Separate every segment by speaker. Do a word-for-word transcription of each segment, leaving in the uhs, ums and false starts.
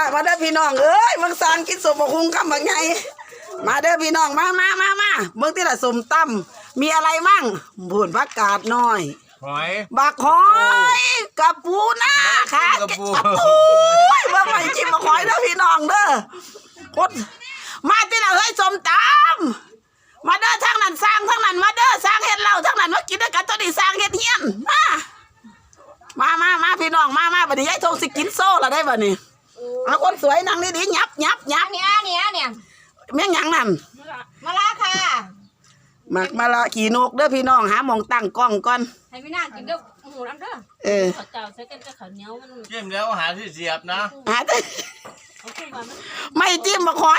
Speaker 1: มาเด้อพี่น้องเอ้ยเมืองซานกินสมบักหุงคำบักไงมาเด้อพี่น้องมามามามาเมืองที่ละสมตั้มมีอะไรมั่งบุญผักกาดน้อย
Speaker 2: หอย
Speaker 1: บักหอยกับปูนาค่ะกับปูเมื่อไหร่จิ้มบักหอยเด้อพี่น้องเด้อคนมาที่ละเฮ้ยสมตั้มมาเด้อทั้งนั้นสร้างทั้งนั้นมาเด้อสร้างเฮ็ดเหล้าทั้งนั้นมากินด้วยกันตัวนี้สร้างเฮ็ดเฮียนมามามามาพี่น้องมามาบัดนี้ยายทงสิกินโซ่ละได้บัดนี้เอาคนสวยนั่งดีๆยับยับยับ
Speaker 3: เนี่ยเนี่ยเนี่ย
Speaker 1: เมี่ยงยังนั่น
Speaker 3: มาละค่ะ
Speaker 1: หมักมาละขี่นกเด้อพี่น้องหาหมองตั้งกล้องก่อน
Speaker 3: ให้พี่นางกินเด้อหมูน้ำเด้อ
Speaker 1: เออ
Speaker 3: ข้าวเจ้าใส่กันกับข้าวเหนียวมัน
Speaker 2: จิ้มแล้วหาที่เสียบนะ
Speaker 1: หาไม่จิ้มมาคอย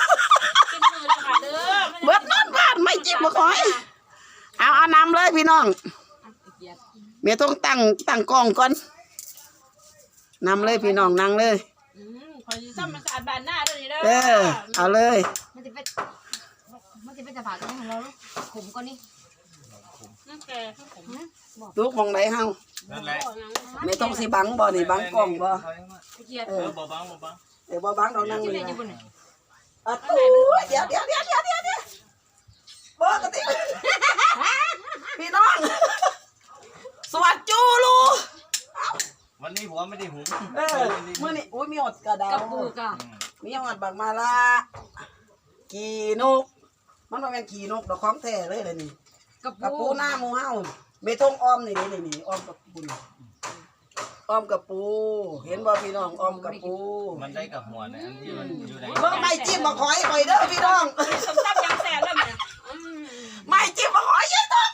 Speaker 1: เบิดนอนบ้านไม่จิ้มมาคอยเอาเอานำเลยพี่น้องเมียต้องตั้งตั้งกล้องก่อนนำเลยพี่น้องนั่งเลย
Speaker 3: คอยซ้ำมันสะอาดบานหน้าด้วยนี่เด้อ
Speaker 1: เออเอาเลย
Speaker 3: มันจะเป็นมันจะเป็นจะผ่าตรงของเราขมก่อนนี่นั่นแกขม
Speaker 1: ลูกมองไหนเฮาไม่ต้องสิบังบ่นี่บังกล้องบ่
Speaker 2: เออบ่บังบ่บัง
Speaker 1: เดี๋ยวบ่บังเรานั่งเลยอ่ะเดี๋ยวเดี๋ยวเดี๋ยวเดี๋ยวเดี๋ยวเดี๋ยวบ่กติพี่น้องสวัสดีจูลู
Speaker 2: วันนี้ผมไม่ได้หุง
Speaker 1: เออเมื่อนี้อุ้ยมีหอดกระดาษ
Speaker 3: กับปูกะ
Speaker 1: มีหอดบักมาลาขี่นกมันมาเป็นขี่นกดอกของแท้เลยเลยนี่กับปูหน้ามูเฮาเมทงอ้อมนี่นี่นี่อ้อมกับปูอ้อมกับปูเห็นบ่พี่น้องอ้อมกับปู
Speaker 2: มันได้กับหัวเนี่ยที่มันอยู่ไหน
Speaker 1: เมื่อไม่จิ้มมาขอยไปเด้อพี่น้อง
Speaker 3: สมตั้มยังแสบเลยเนี่ย
Speaker 1: ไม่จิ้มมาขอยยัยต้อง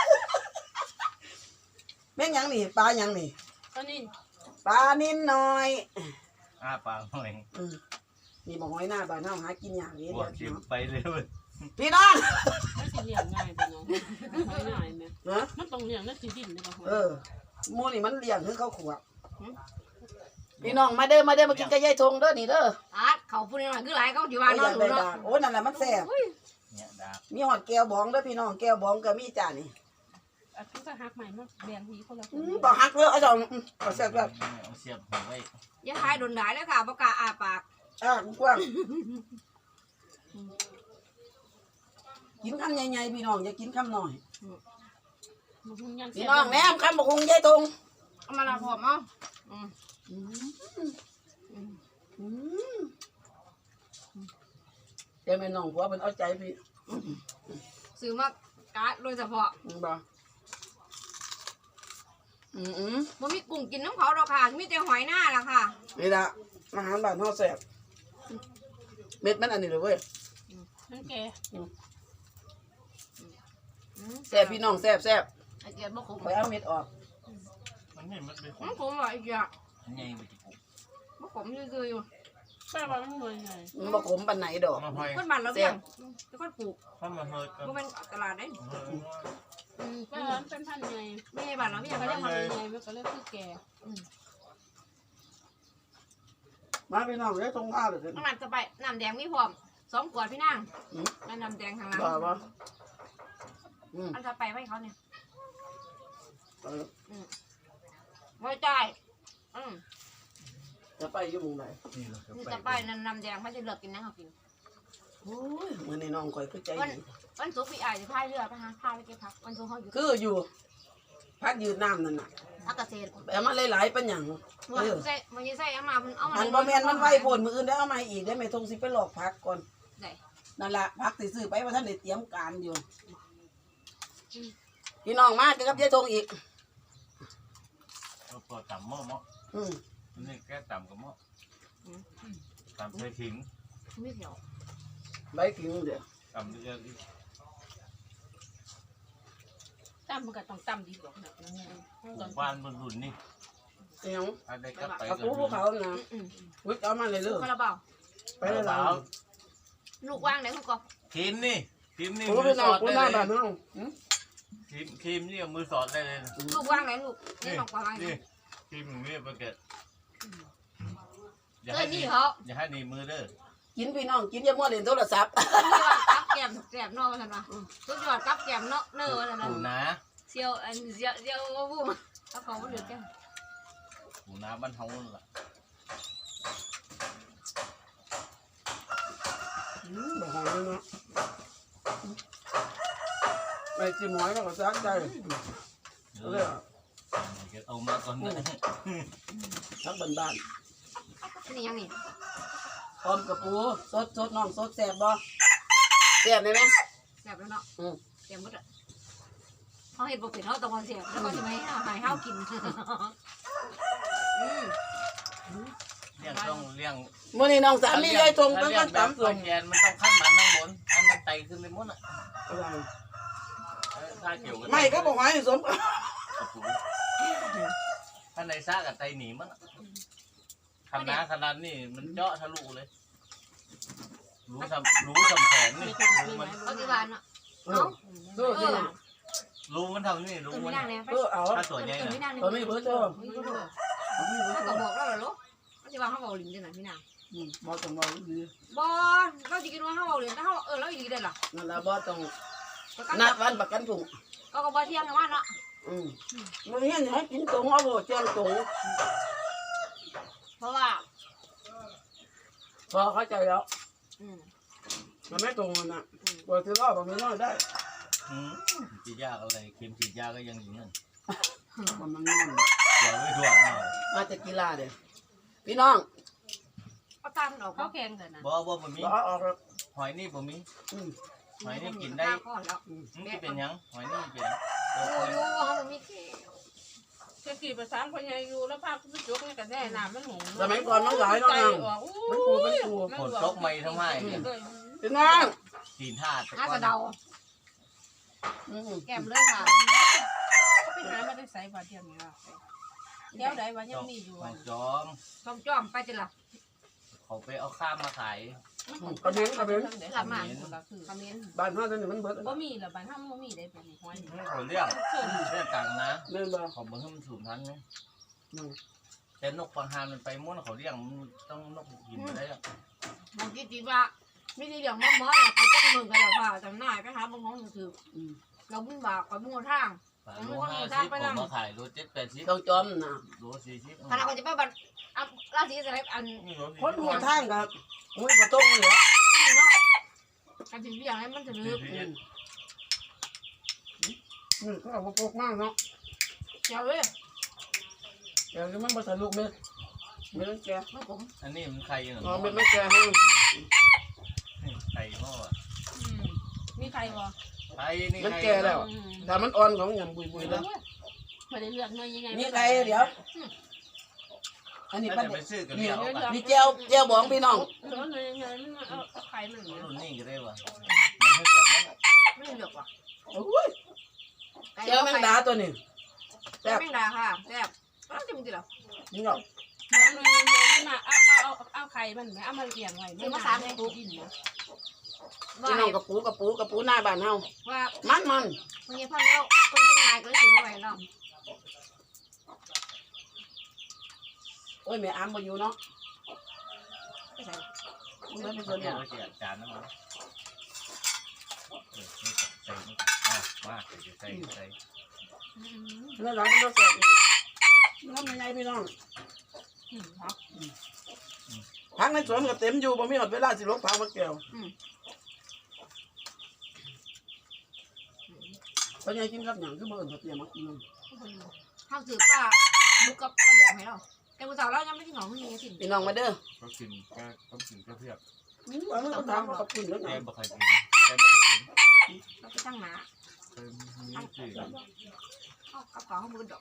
Speaker 1: แม่งยังนี่ปลายังนี่
Speaker 3: ปลานิน
Speaker 1: ปลานินน้อย
Speaker 2: อ้าปลาหน่อย
Speaker 1: นี่บอกหอยหน้าปลาหน้าหากินอย่างนี้
Speaker 2: เดี๋ยวไปเลย
Speaker 1: พี่น้อง
Speaker 3: ไม่สิเลี้ยงง่ายไปน้องไม่ง่ายไหมมันต้องเลี้ยงนั่นสิดินเลยป่ะ
Speaker 1: เออมูนี่มันเลี้ยงคือเขาขวบพี่น้องมาเด้อมาเด้อมากินกระยายทงเด้อนี่เด้อ
Speaker 3: อ่ะเขาพูดหน่อยคือไรเขาอยู่บ้านนอนอยู่เนาะ
Speaker 1: โอ้นั่นแหละมันแซ่บมีหอดแก้วบองเด้อพี่น้องแก้วบองก็มีจ่านี่
Speaker 3: อ่ะทุกท่าหักใหม่มาแบ่งทีคนละ
Speaker 1: บอกหักเลยเอาสองเอาเสียบแบบ
Speaker 2: เสียบหัวไว้
Speaker 3: อย่าทายโดนด่าเลยค่ะประกาศอาปาก
Speaker 1: อ่ะกว้างกินคำใหญ่ๆพี่น้องอย่ากินคำหน่อยพี่น้องแม่คำบอกคงยายทง
Speaker 3: เอามาละพอมั้ง
Speaker 1: เดี๋ยวแม่น้องผัวเป็นเอาใจพี่
Speaker 3: ซื้อมากาดโดยเฉพาะ
Speaker 1: บ่อืมอืม
Speaker 3: มันมีกุ้งกินน้ำเขาหรอกค่ะมีแต่หอยหน้าละค่ะ
Speaker 1: นี่ละอาหารบ้านห่อแซ่บเม็ดมันอันนี้เลยเว้ย
Speaker 3: นั่นแก
Speaker 1: แซ่บพี่น้องแซ่บแซ่บ
Speaker 3: ไอ้แกบ่ขม
Speaker 1: ไปเอาเม็ดออก
Speaker 2: มันนี่มันเป็นขม
Speaker 3: มันขมว่ะไอ้แก
Speaker 2: ไงมันจะขม
Speaker 3: บ่ขมคืออยู่แซ่บว่ามันเหมือนไง
Speaker 1: มันบ่ขมปานไหนดอก
Speaker 3: คนบ้านเราเลี้ยงแล้วก็ปลูก
Speaker 2: เขามาเฮิร์ตกัน
Speaker 3: มันเป็นตลาดได้อืมก็ร้านเป็นพันไงไม่ใช่บ้านเราไม่อยากเขาเรียกมันไงมันก็เรียกคือแก
Speaker 1: มาพี่น้องได้ตรงข้าวเลยน้
Speaker 3: ำมันจะไปน้ำแดงมีพร้อมสองขวดพี่นางแล้วน้ำแดงทางหลัง
Speaker 1: บ้าปะ
Speaker 3: อันจะไปไว้เขาเนี่ยไว้ใจอืม
Speaker 1: จะไปยุ่งไหน
Speaker 3: จะไปน้ำน้ำแดงไม่จะเลือกกินนะเขากิน
Speaker 1: โอ้ยเหมือนในน้องคอยคือใจดี
Speaker 3: วันศุกร์พี่อายจะพายเรือไปหาพายไปเก็บผักวันศุกร์เขาอยู่
Speaker 1: คืออยู่พักยืนน้ำนั่นน่ะ
Speaker 3: พักเกษตร
Speaker 1: แต่มันหลายๆเป็นอย่าง
Speaker 3: มันใส่มันใส่เอามามันเอามา
Speaker 1: อันบะเมียนมันไวผลมืออื่นได้เอามาอีกได้ไหมทงสิไปหลอกพักก่อนนั่นแหละพักติซื้อไปว่าท่านได้เตรียมการอยู่พี่น้องมากับยายทงอีก
Speaker 2: ตัวต่ำหม้อหม้ออืมนี่แค่ต่ำกับหม้อต่ำใส่ขิง
Speaker 3: ไม่เกี่ยว
Speaker 1: ใบขิงเดี๋ยว
Speaker 2: ต่ำเยอะ
Speaker 3: ต่ำมันก็ต้องต่ำดีกว่า
Speaker 2: บ้านบนรุ่นนี่
Speaker 1: เดี๋ยว
Speaker 2: อะไรก็ไป
Speaker 1: กับผู้เขานะวิกเอามาเลยเรื่อง
Speaker 3: คาราบาว
Speaker 1: ไปเลยเรา
Speaker 3: ลูกว่างไหนคุณกบ
Speaker 2: ทีมนี่ทีมนี่
Speaker 1: มือสอดได้เลย
Speaker 2: ทีมทีมนี่มือสอดได้เลย
Speaker 3: ลูกว่างไหนลูกนี่หนอกว่าง
Speaker 2: นี่ทีมนี่ประเกิด
Speaker 3: อย่าให้ดีเขา
Speaker 2: อย่าให้ดีมือเด้อ
Speaker 1: กินพี่น้องกินยังมั่วเล่นโทรศัพท์
Speaker 3: กับแกมแกมนอกกันปะทุกยอดกับแกมเนาะเนื้อนั่น
Speaker 2: นะ
Speaker 3: เซียวอันเซียวเซียวบูมเขาเขาไม่เหลือแก
Speaker 2: หูน้ำบ้านเฮาล่ะ
Speaker 1: เนาะไม่จิ้มหอยแล้วก็ซักใจเลย
Speaker 2: เอามาก่อนนะ
Speaker 1: ทักบ้าน
Speaker 3: นี่ยังนี่
Speaker 1: ๆพร้อมกับปูสดสดน้องสดแซ่บบ่แซ่บได้ไหม
Speaker 3: แซ่บแล้วเนาะ
Speaker 1: อืม
Speaker 3: แซ่บหมดอ่ะเขาเห็นปกติเขาตะวันแซ่บแล้วก็จะไม่ให้หายห้าวกินอืม
Speaker 2: เลี้ยงต้องเลี้ยง
Speaker 1: มื้อนี้น้องสามียายทงเพิ่นก็ตำ
Speaker 2: ส่
Speaker 1: ส้
Speaker 2: ว
Speaker 1: ม
Speaker 2: นแกนมันต้องขั้นมันทั้งหมดอันมันไตขึ้นไปหมดอ่ะถ้าเกี่ยวกัน
Speaker 1: ไม่ก็บอกให้สม
Speaker 2: ถ้าในซากับไตหนีมันขนาดขนาดนี่มันเจาะทะลุเลยรู้ทำรู้ทำแขนนี่รู้มัน
Speaker 3: เขาที่บ้านเนาะ
Speaker 1: เอ
Speaker 3: เนาะ
Speaker 1: อดู
Speaker 3: เอ
Speaker 1: สิ
Speaker 3: อ
Speaker 2: รู้มันทำนี่รู้
Speaker 3: ตื่น
Speaker 2: มั
Speaker 3: ไม่
Speaker 2: น
Speaker 3: นั่งเลยไป
Speaker 1: เออเอา
Speaker 2: ถ้าตัวใหญ่
Speaker 3: ตื่น
Speaker 2: นะ
Speaker 3: ไม่นั่งเลย
Speaker 1: ตอนนี้เบิดเด้อ
Speaker 3: ถ้าก็บอกแล้วเหรอลูกเขาจะว่าเขาบอกลิ้นจังไหนพี่นาง
Speaker 1: อืมบ่ต้องบอกดี
Speaker 3: บอลเราจะกินว่าเขาบอกลิ้นถ้าเขาเออเราอีกได้หรอ
Speaker 1: นั่นล่ะบ่ต้อง
Speaker 3: ก็
Speaker 1: นัดวันประกันถุง
Speaker 3: ก็ก็บอเที่ยงกันว่าเนาะ
Speaker 1: อืมมื้อนี้ให้กินตรงเอาบ่แจ้งตรง
Speaker 3: เพราะว่า
Speaker 1: พอเข้าใจแล้ว
Speaker 3: อืม
Speaker 1: มันไม่ตรงกันน่ะบ่สิรอบ่มีน้อยได้
Speaker 2: ฉีดยาอะไรเข็มฉีดยาก็ยังอย่างนั้น
Speaker 1: มันมันนอน
Speaker 2: เดี๋ยวไม่ถ่วงเอา
Speaker 1: มาจากกีฬาเด้พี่น้อง
Speaker 3: เขาตามออกเขาแข่งกันนะ
Speaker 2: บ่บ่บ่มี
Speaker 1: บ่เอาออกแล้ว
Speaker 2: หอยนี่บ่มี
Speaker 1: อืม
Speaker 2: หอยนี่กินได้
Speaker 3: ก่อนแล้ว
Speaker 2: มันจะเป็นยังหอยนี่เป็น
Speaker 3: โอ้ยเขาไม่มีเกลียว
Speaker 4: จะกี่ภาษาคนยังอยู่แล้วภาพคุณจุกนี่กันแน่น้ำมันหง
Speaker 1: สมัยก่อนมันหลายเนาะนางมันปูมันปู
Speaker 2: ผลตกไม่ทำไม
Speaker 1: พี่น้อง
Speaker 2: ตีนท่าตะ
Speaker 3: น่าก
Speaker 2: อ
Speaker 3: จะ
Speaker 2: น
Speaker 3: เดา
Speaker 1: อืม
Speaker 3: แก้มเลยค่ะ
Speaker 4: ไปหามาได้ใส่บาทเดียวนี่ละเดี๋ยวใดวันยังมีอยู่
Speaker 2: ของจอม
Speaker 3: จอมจ้อมไปจิละ
Speaker 2: เขาไปเอาข้ามมาขาย
Speaker 1: กระเบนกระเบน
Speaker 3: หลับมา
Speaker 4: คือ
Speaker 3: คอมเมนต์
Speaker 1: บ้านเฮาตอนนี้มันเบิด
Speaker 4: บ่มีหรอบ้านห้ามบ่มีได้เป็นห้อย
Speaker 2: ไม่เขาเรียกเรียกต่างนะ
Speaker 1: แม่นบ่
Speaker 2: เขาบอกให้มันสูงทันไหม
Speaker 1: อืม
Speaker 2: แต่นกบางฮานมันไปม้วนเขาเรียกมันต้องนกกินได้
Speaker 3: บางทีจีว่าไม่ได้เรื่องมอมอเนี่ยไปจับมือกันแล้วค่ะจำหน่ายไปหาบางน้องถือ
Speaker 1: อืม
Speaker 3: เราบุญบาปกับบุญทาง
Speaker 2: โลห้าสิบผมมาขายโลเจ็ดแปดสิบ
Speaker 1: ต้องจอมน่ะ
Speaker 2: โลสี่สิบ
Speaker 3: ขณะคนจะไปบัตรอ่ะราศีอะไรอัน
Speaker 1: คนหัวทางก็มุ้ยบ่ตรงเหรอ
Speaker 3: นี่เนาะการถึงอย่างนั้นมันจะลึก
Speaker 1: อืมอืมก็เอาบ่ปกมากเนาะ
Speaker 3: เจ้าเว้ย
Speaker 1: เดี๋ยวมันบ่ทะลุเม็ดเม็ดแก่
Speaker 3: มันผม
Speaker 2: อันนี้มันไข่ยัง
Speaker 1: อ๋อเม็ดไม่แก่ให้
Speaker 2: ไข่พ่อ
Speaker 4: มีใครบ่
Speaker 2: ไข่นี่
Speaker 1: มัน
Speaker 2: ไข่
Speaker 1: แก่แล้วถ้ามันอ่อนของหยังบุยๆแล้ว
Speaker 4: ไม่ได้เลือกเงินยังไง
Speaker 1: นี่ไก่เดี๋ยว อันนี้
Speaker 2: ถ้า
Speaker 1: ปัน
Speaker 2: จะไปซื้อกันเดียวกัน
Speaker 1: นี่เจียวเจียวบองพี่น้อง
Speaker 4: เลือกเงินยังไงมันเอาไข่มันเนี่ย
Speaker 2: รุ่นนี้ก็ได้ว่ะมันให้เรียกมัน
Speaker 3: ไม่ได้เลือกว่ะ
Speaker 1: โอ้ยเจียวแมงดาตัวนี้
Speaker 3: แซ่บแมงดาค่ะแซ่บอ้าวจะมึงจีเหรอ
Speaker 1: นี่เนาะ
Speaker 4: เลือกเงินยังไงมันมาเอาเอาเอาไข่มันเอามาเลี้ยงไว้ไม่มาสามในตู้ดินนะ
Speaker 3: ว่า
Speaker 1: พี่น้องกระปูกระปูกระปูหน้าบ้านเฮา
Speaker 3: ว่า
Speaker 1: มันมัน
Speaker 3: เมื่อกี้พ่อเราคนเป็นนายก็เลยถือมาไว้เนาะ
Speaker 1: โอ้ยแม่อามบ่อยู่เนาะ
Speaker 3: ไม่ใส่
Speaker 1: มันเป็น
Speaker 2: เ
Speaker 1: ส่วน
Speaker 2: รี
Speaker 1: ห
Speaker 2: ย
Speaker 1: นึ่
Speaker 2: ก
Speaker 1: ง
Speaker 2: ว่าเจียจานนะมั้งเออนี่ใส่นี่อ่ะมาใส่ใส่ใส่
Speaker 1: แล้วหลังมันก็แซ่บอีกน้ำยังไงพี่น้องพักในสวนก็เต็มอยู่บ่มีหมดเวลาสิลกทางมาแก้วตอนนี้กินกับหยังคือบ่เอิ้นเขาเตรียมมากิน
Speaker 3: ข้าวสืบป้าลูกกับข้าวแดงให้เราแต่ผู้สาวเรายังไม่กินของนี่สิ
Speaker 1: พี่น้องมาเด้อ
Speaker 2: เขากินก็ต้องกินก็เพียบ
Speaker 1: อืมว่ามันก็ถามว่าเขากินแล้วไง
Speaker 2: แกบ่เคยกินแกบ่เคยกิน
Speaker 3: เราไปตั้งหนา
Speaker 2: เคยมีสื่อ
Speaker 3: เข้ากระเป๋าข้าวมือดอก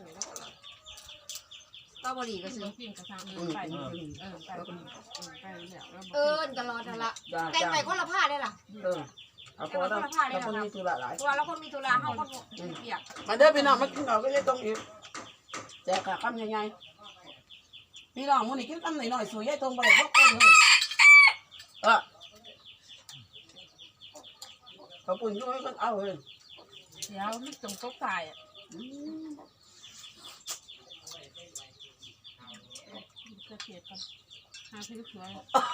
Speaker 3: ก็บรีก็ซื้อ
Speaker 4: กินกระซัง
Speaker 1: อืม
Speaker 4: ไป
Speaker 1: อืมอืม
Speaker 4: เออไปไปแล้ว
Speaker 3: เออตลอดนั่นละ
Speaker 1: จ้า
Speaker 3: แต่ง
Speaker 1: จ้า
Speaker 3: ไปคนละผ้าได้ล่ะ
Speaker 1: เออเอาพอแล้วแล้วคนมีธุระหลาย
Speaker 3: เพราะว่าเราคนมีธุระเขาคนเปียก
Speaker 1: มาเด้อพี่น้องมากินข้าวก็ยังต้องอีกแจกข้าวคำใหญ่ๆพี่น้องมื้อนี้กินคำหน่อยๆสวยยายตรงบ่ได้พกคนเลยเออเขาปุ่นอยู่ให้คนเอาเลย
Speaker 4: เดี๋ยวมันตรงโต๊ะตายอ่ะ
Speaker 1: อืม
Speaker 4: จะเทียบกันหาซื้อสวย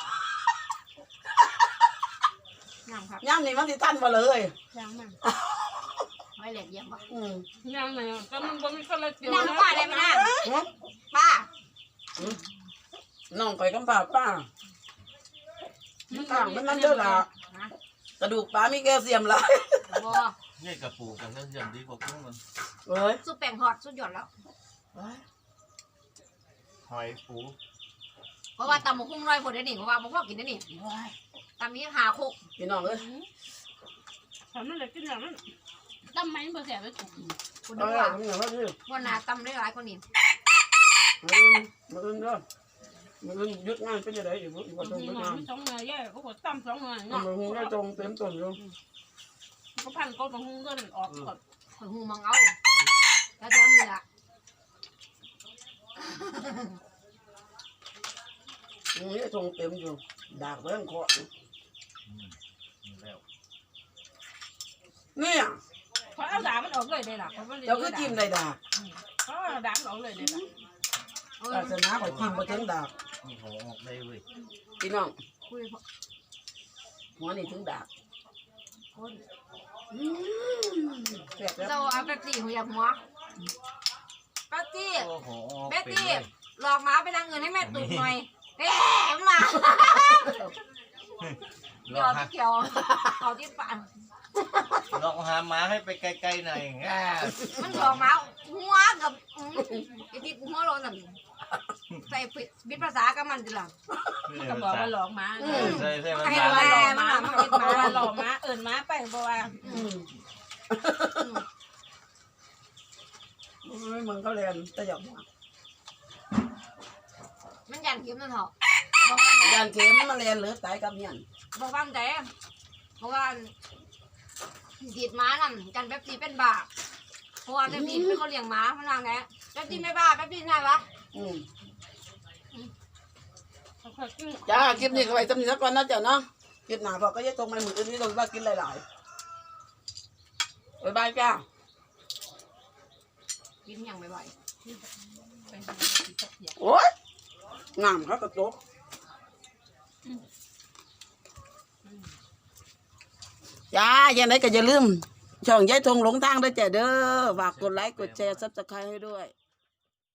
Speaker 3: งามครับ
Speaker 1: ย่ำนี่มันสิทันบ่เลย
Speaker 4: ย่างมัน
Speaker 3: ไว้แหลกเยี่ยมปะ
Speaker 1: อืม
Speaker 4: ย่างไหนก็มันบ่มีคนละเดียว
Speaker 3: นั่งป้าได้ไหมนั่ง
Speaker 1: เนาะ
Speaker 3: ป้า
Speaker 1: น้องไปกำปาป้ามันต่างมันนั่นเด้อล่ะ
Speaker 3: นะ
Speaker 1: กระดูกปลามีแคลเซียมหลาย
Speaker 3: บ่
Speaker 2: นี่กระปูกับเครื่องยนต์ดีกว่ากุ้งมัน
Speaker 1: เอ้ย
Speaker 3: สุดแป้งทอดสุดยอดแล้ว
Speaker 2: หอยปู
Speaker 3: เพราะว่าตำหมกหุ้งร้อยคนได้นี่เพราะว่าบ่พอกินได้นี่ตำนี้หาโคก
Speaker 1: พี่น้องเอ้ย
Speaker 4: ทำนั่นแหละกินอย่างนั้นตั้มไหมเบอร์แสบไปถูก
Speaker 3: คุณ
Speaker 1: เอา
Speaker 3: ดู
Speaker 1: ล่ะ
Speaker 3: ว่า
Speaker 1: พี่น้องเอ้ย
Speaker 3: วันหนาตำได้หลายกว่านี้
Speaker 1: มือมืออื่นเด้อมืออื่นหยุดงานเป็นยังไงอยู่บ่บ่ต้องหยุดงาน
Speaker 4: สองเงยแย่ก็กดตั้มสองเงย
Speaker 1: มื
Speaker 4: เนาะ
Speaker 1: อหูได้ตรงเต็มต้นอยู่
Speaker 4: ก็พันก็ต้องหุ้งเงินออกก่อน
Speaker 3: ข่อยหูมังเอาแล้วจะมีละ
Speaker 1: นี่ตรงเต็มอยู่ดากเบิ่งเคาะ
Speaker 2: อืมแล้ว
Speaker 1: เนี่ย
Speaker 4: เพราะเอาด่ามันออกเลยได้ล่ะเพราะมัน
Speaker 1: เจ้าคือจิ้มได้ดาก
Speaker 4: เพราะด่ามันออกเลยได้ล่ะ
Speaker 3: เออ
Speaker 1: ศาสนาข่อยจิ้มบ่ถึงดาก
Speaker 2: นี่หัวออกได้เว้ย
Speaker 1: พี่น้อง
Speaker 3: คุย
Speaker 1: หัวนี่ถึงดาก
Speaker 3: คน
Speaker 1: อืมแซ่บแล้ว
Speaker 3: เราเอาแป๊บซี่หัวอยากหัวแป๊บซี่
Speaker 2: โอ้โหออก
Speaker 3: แป๊บ
Speaker 2: เป็น
Speaker 3: ซี่
Speaker 2: เลย
Speaker 3: หลอกหมาไปทางเงินให้แม่ตุกหน่อยเอ๊ะมา
Speaker 2: ล
Speaker 3: เดี๋ย
Speaker 2: อ
Speaker 3: ว
Speaker 2: กหา
Speaker 3: เขียวเขาที่ปาน
Speaker 2: ลอกหาหมาให้ไปไกลๆหน่อยง่า
Speaker 3: มันหลอกหมาหัวกับอืมไอ้ที่หัวโลนน่ะใส่บิดภาษากับมันจิล่ะ
Speaker 4: มันก็บอกว่าหลอกม้า
Speaker 2: ใช่ใช่มัน
Speaker 3: ให้
Speaker 2: มา
Speaker 3: ดูแล
Speaker 4: หลอกม้ามันเป็นม้าหลอกม้าเอิญม้าไปเพราะว่า
Speaker 1: อืมโอ้ยมึงเขาเรียนแต่หยอกหัว
Speaker 3: มันยันเข็มนั่นเหรอบอกว่า
Speaker 1: ยานเข็มมาเรียนหรือตายกับเมียน
Speaker 3: บอกว่าแต่บอกว่าดีดม้านั่นกันแป๊บซี่เป็นบาปเพราะว่าแป๊บซี่เป็นคนเลี้ยงม้าพนังไงแป๊บซี่ไม่บ้าแป๊บซี่น่ารัก
Speaker 1: อืม
Speaker 4: เขาเคยกิน
Speaker 1: จ้าคลิปนี้ก็ไว้สำหรับก่อนนะจ๊ะเนาะคลิปหน้าพอก็จะตรงไปมืออื่นนี่ต้องว่ากินหลายๆบ๊ายบายจ้า
Speaker 3: กินอย่างบ่อย
Speaker 4: ไปหาที่ตะเกียบ
Speaker 1: โอ้ยงามครับกระจกจ้าอย่างไรก็อย่าลืมช่องยายทงหลงทางด้วยจ้ะเด้อฝากกดไลค์กดแชร์ซับสไครต์ให้ด้วย